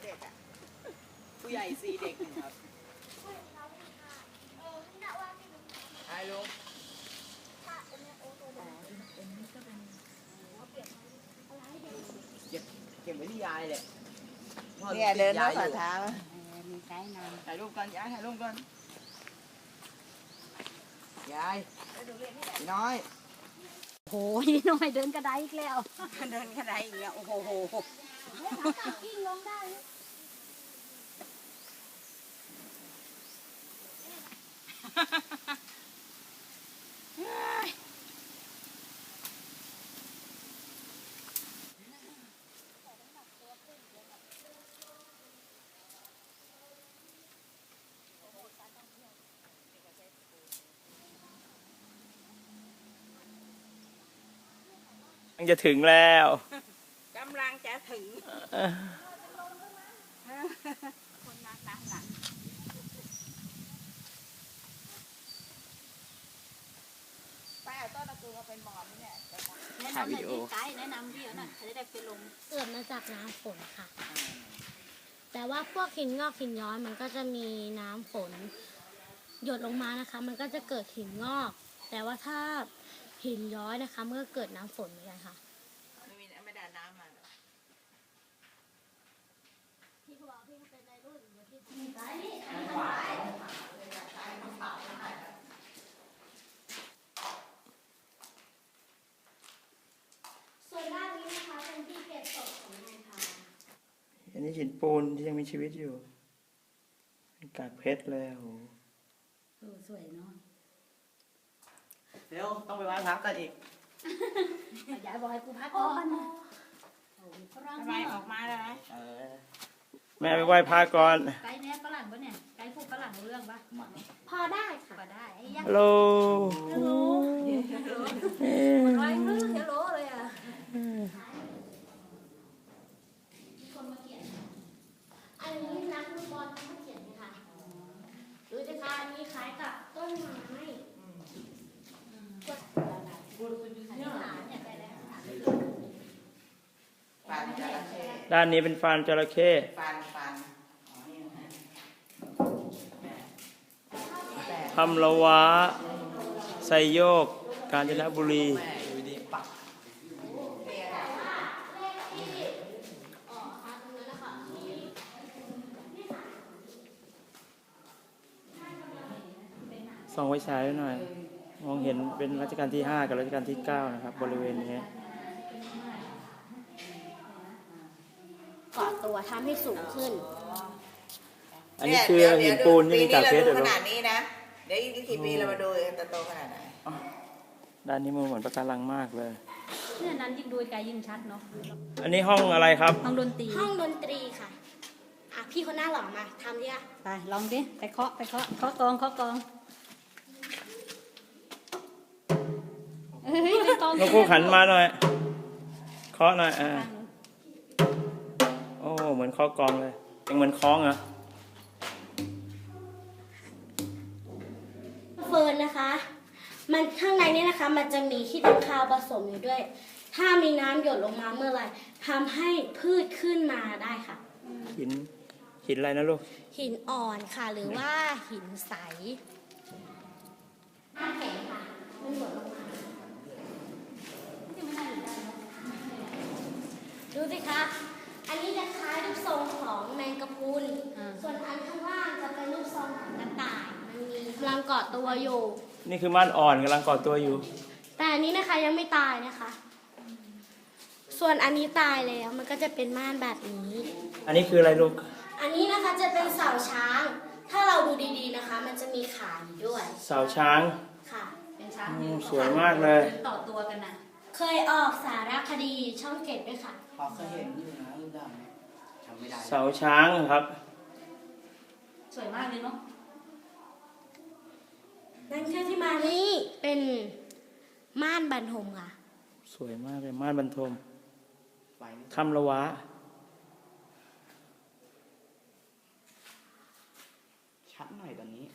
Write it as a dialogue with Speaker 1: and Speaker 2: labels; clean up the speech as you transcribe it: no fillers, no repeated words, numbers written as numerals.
Speaker 1: ด็กอ่ะผู้ใหญ่4เด็ก1ครับไอ้ลุงเก็บไว้ที่ยายเลยเนี่ยเดินรถฝ่าเท้ามีใช้นานถ่ายรูปกันยายถ่ายรูปกันยายน้อย
Speaker 2: โอ้ยน้อยเดินกระไดอีกแล้ว
Speaker 1: เดินกระไดอีกแล้วโอ้โห
Speaker 2: กิ้งลงได้
Speaker 3: จะถึงแล้ว
Speaker 1: กำลังจะถึงคนมาตามหลังไปเอาต้นตะกูมาเป็นบอมนี่แหละ
Speaker 2: แนะนำหน่อยที่ไกด์แนะนำพี่หน่อยเขาจะได้ไปลงเกิดมาจากน้ำฝนค่ะแต่ว่าพวกหินงอกหินย้อยมันก็จะมีน้ำฝนหยดลงมานะคะมันก็จะเกิดหินงอกแต่ว่าถ้าหินย้อยนะคะเมื่อเกิดน้ำฝนเหมือนกันค่ะ
Speaker 1: ไม่ได้น้ำมา
Speaker 2: พี่เขาบอกพี่เขาเป็นในรุ่นเดี๋ยวพี่ส่วนด้านนี้นะคะเป็นที่เก็บศพของนายพา
Speaker 3: อันนี้หินปูนที่ยังมีชีวิตอยู่เป็นกากเพชรเลยโอ้
Speaker 2: สวยเนาะ
Speaker 1: เดี๋ยวต้องไปไหว้พระกันอีก
Speaker 2: ยายบอกให้กูพักก่อน
Speaker 1: ทำไมออกมาได้ไหม
Speaker 3: แม่ไปไหว้พระก่อน
Speaker 2: ไกด์เนี่ยฝรั่งปะเนี่ยไกด์พูดฝรั่งรู้เรื่องปะพอได้ค่ะพอได้
Speaker 3: ฮัลโหล
Speaker 2: ฮัลโหลฮัลโหลฮัลโหลเลยอ่ะคนมาเขียนอันนี้นักฟุตบอลเขาเขียนค่ะดูสิคะอันนี้คล้ายกับต้นไม้
Speaker 3: ด้านนี้เป็นฟันจระเข้ทำละวะไซโยกกาญจนบุรีส่องไว้ฉายหน่อยมองเห็นเป็นรัชกาลที่5กับรัชกาลที่9นะครับบริเวณนี้
Speaker 2: เกาะตัวทำให้สูงขึ้น
Speaker 3: อันนี้คือหินปูนที่มีกากเพชร
Speaker 1: ขนาดนี้นะเดี๋ยวอีกกี่ปีเรามาดูจะโตขนาดไหน
Speaker 3: ด้านนี้มันเหมือนปะการังมากเลย
Speaker 2: เนี่ยนั้นยิ่งดูไกลยิ่งชัดเนาะ
Speaker 3: อันนี้ห้องอะไรครับ
Speaker 2: ห้องดนตรีค่ะพี่คนหน้าหล่อมาทำดิไปลองดิไปเคาะกอง
Speaker 3: นกคู่ขันมาหน่อยเคาะหน่อยโอ้เหมือนเคาะกองเลยยังเหมือนคล้องเหรอ
Speaker 2: เฟิร์นนะคะมันข้างในนี้นะคะมันจะมีขี้ตะคาวผสมอยู่ด้วยถ้ามีน้ำหยดลงมาเมื่อไหร่ทำให้พืชขึ้นมาได้ค่ะ
Speaker 3: หินอะไรนะลูก
Speaker 2: หินอ่อนค่ะหรือว่าหินใสน้ำแข็งค่ะมันหยดลงมาดูสิคะอันนี้จะคล้ายรูปทรงของแมงกะพรุนส่วนอันข้างล่างจะเป็นรูปทรงของกระต่ายมันมีกำลังเกาะตัวอยู่
Speaker 3: นี่คือม่านอ่อนกำลังเกาะตัวอยู่
Speaker 2: แต่อันนี้นะคะยังไม่ตายนะคะส่วนอันนี้ตายแล้วมันก็จะเป็นม่านแบบนี้
Speaker 3: อันนี้คืออะไรลูก
Speaker 2: อันนี้นะคะจะเป็นเสาช้างถ้าเราดูดีๆนะคะมันจะมีขาอยู่ด้วย
Speaker 3: เสาช้าง
Speaker 2: ค่ะเป็นช้าง
Speaker 3: สวยมากเลย
Speaker 2: ต่อตัวกันนะเคยออกสารคดีช่อง7ด้วยค่ะ
Speaker 1: พอเคยเห็นอยู่นะรูปดำจำไม่ได้
Speaker 3: เสาช้างครับ
Speaker 2: สวยมากเลยเนาะนั่นคือที่มานี่เป็นม่านบรรทมค่ะ
Speaker 3: สวยมากเลยม่านบรรทมถ้ำละวะ
Speaker 1: ชัดหน่อยตอนนี้